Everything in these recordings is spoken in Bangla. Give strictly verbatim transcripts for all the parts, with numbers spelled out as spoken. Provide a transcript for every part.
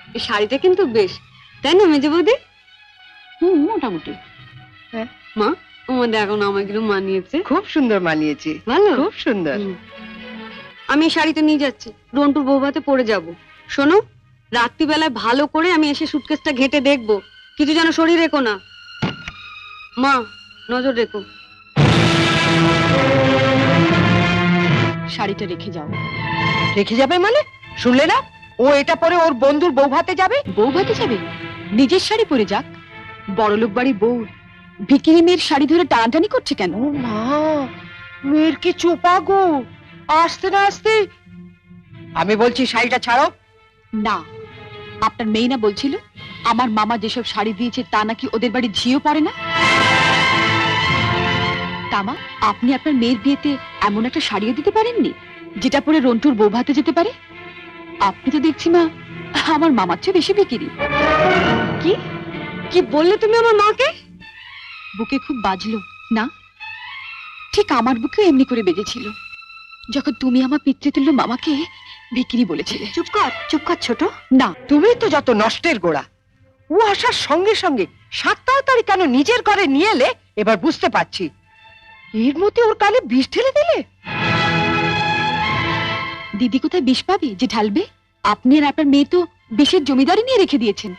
এই শাড়িটা কিন্তু বেশ, তাই না মেজে বৌদি? হুম, মোটামুটি। হ্যাঁ মা, ও দেখো না আমাকে মানিয়েছে। খুব সুন্দর মানিয়েছে, ভালো, খুব সুন্দর। আমি এই শাড়িটা নিয়ে যাচ্ছি, রন্টুর বৌভাতে পরে যাব। শোনো, রাত্রিবেলায় ভালো করে আমি এসে সুটকেসটা ঘেটে দেখবো, কিছু যেন শরীর রেখো না। মা নজর রেখো। শাড়িটা রেখে যাও। রেখে যাবে মানে? শুনলে না, ও এটা পরে ওর বন্ধুর বউ ভাতে যাবে। বউ ভাতে যাবে? নিজের শাড়ি পরে যাক। বড়লোক বাড়ি বউ ভিকিরি মেয়ের শাড়ি ধরে টানাটানি করছে কেন? ও মা, মেয়ের কি চোপা গো, আসতে না আসতে। আমি বলছি শাড়িটা ছাড়ো। না, আপনার মেয়ে না বলছিল আমার মামা যেসব শাড়ি দিয়েছে তা নাকি ওদের বাড়ি ঝিও পড়ে না। তামা, আপনি আপনার মেয়ের বিয়েতে এমন একটা শাড়িও দিতে পারেননি যেটা পরে রন্টুর বউ ভাতে যেতে পারে? আপনি তো দেখছি মা আমার মামার চেয়ে বেশি বিক্রি। কি কি বললে তুমি আমার মাকে? বুকে খুব বাজলো না? ঠিক আমার বুকে এমনি করে বেজেছিল যখন তুমি আমার পিতৃতুল্য মামাকে বিক্রি বলেছিলে। চুপ কর, চুপ কর ছোট। না, তুমি তো যত নষ্টের গোড়া। ও আসার সঙ্গে সঙ্গে সাত তাড়াতাড়ি কেন নিজের ঘরে নিয়ে এলে এবার বুঝতে পারছি। এর মধ্যে ওর কানে বিষ ঢেলে দিলে। দিদি কোথায় বিষ পাবে যে ঢালবে? আপনি আর আপনার মেয়ে তো বিষের জমিদারি নিয়ে রেখে দিয়েছেন।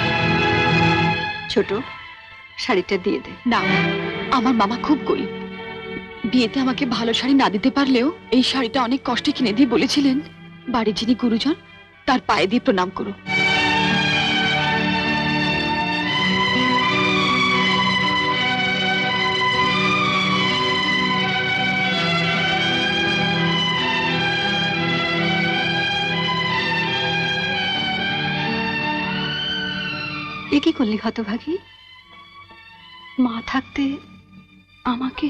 ছোট, শাড়িটা দিয়ে দে। না, আমার মামা খুব গরিব। বিয়েতে আমাকে ভালো শাড়ি না দিতে পারলেও এই শাড়িটা অনেক কষ্টে কিনে দিয়ে বলেছিলেন বাড়ির যিনি গুরুজন তার পায়ে দিয়ে প্রণাম করো। এ কি করলি হতভাগী? মা থাকতে আমাকে।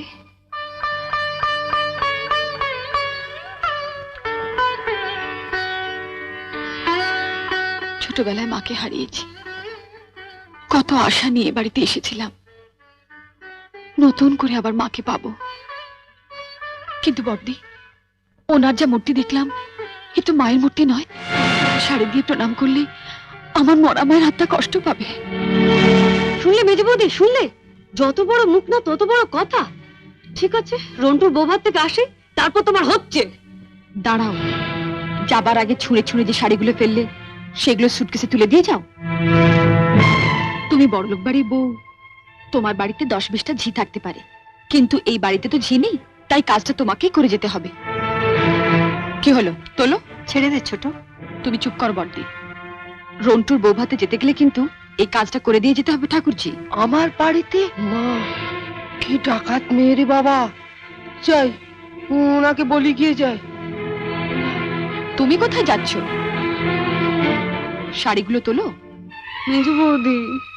ছোটবেলায় মাকে হারিয়েছি, কত আশা নিয়ে বাড়িতে এসেছিলাম নতুন করে আবার মাকে পাবো। কিন্তু বড়দি, ওনার যা মূর্তি দেখলাম এ তো মায়ের মূর্তি নয়। শাড়ি দিয়ে প্রণাম করলে আমার মরা মায়ের হাতটা কষ্ট পাবে। শুনলে মেজে বৌদি, শুনলে? যত বড় মুখ না তত বড় কথা। ঠিক আছে, রন্টুর বৌভাত থেকে আসে, তারপর তোমার হচ্ছে। দাঁড়াও, যাবার আগে ছুঁড়ে ছুঁড়ে যে শাড়িগুলো ফেললে সেগুলো সুটকেসে তুলে দিয়ে যাও। তুমি বড়লোক বাড়ির বউ, তোমার বাড়িতে দশ বিশটা ঝি থাকতে পারে, কিন্তু এই বাড়িতে তো ঝি নেই, তাই কাজটা তোমাকেই করে যেতে হবে। কি হলো, তোলো। ছেড়ে দে ছোট। তুমি চুপ কর বড়দি। রন্টুর বউ ভাতে যেতে গেলে কিন্তু এই কাজটা করে দিয়ে যেতে হবে ঠাকুরজি। আমার বাড়িতে? মা, কি ডাকাত মেয়ে রে বাবা। যাই, ওনাকে বলি গিয়ে যাই। তুমি কোথায় যাচ্ছ? শাড়িগুলো তোলো। মেজে বৌদি,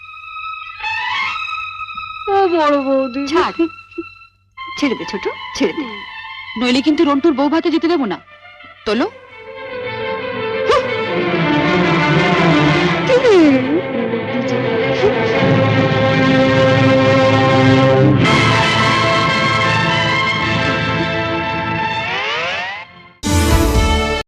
ও বড় বৌদি, ছাড়। ছেড়ে দে ছোট, ছেড়ে দে। নইলে কিন্তু রন্টুর বউ ভাতে যেতে দেবো না। তোলো।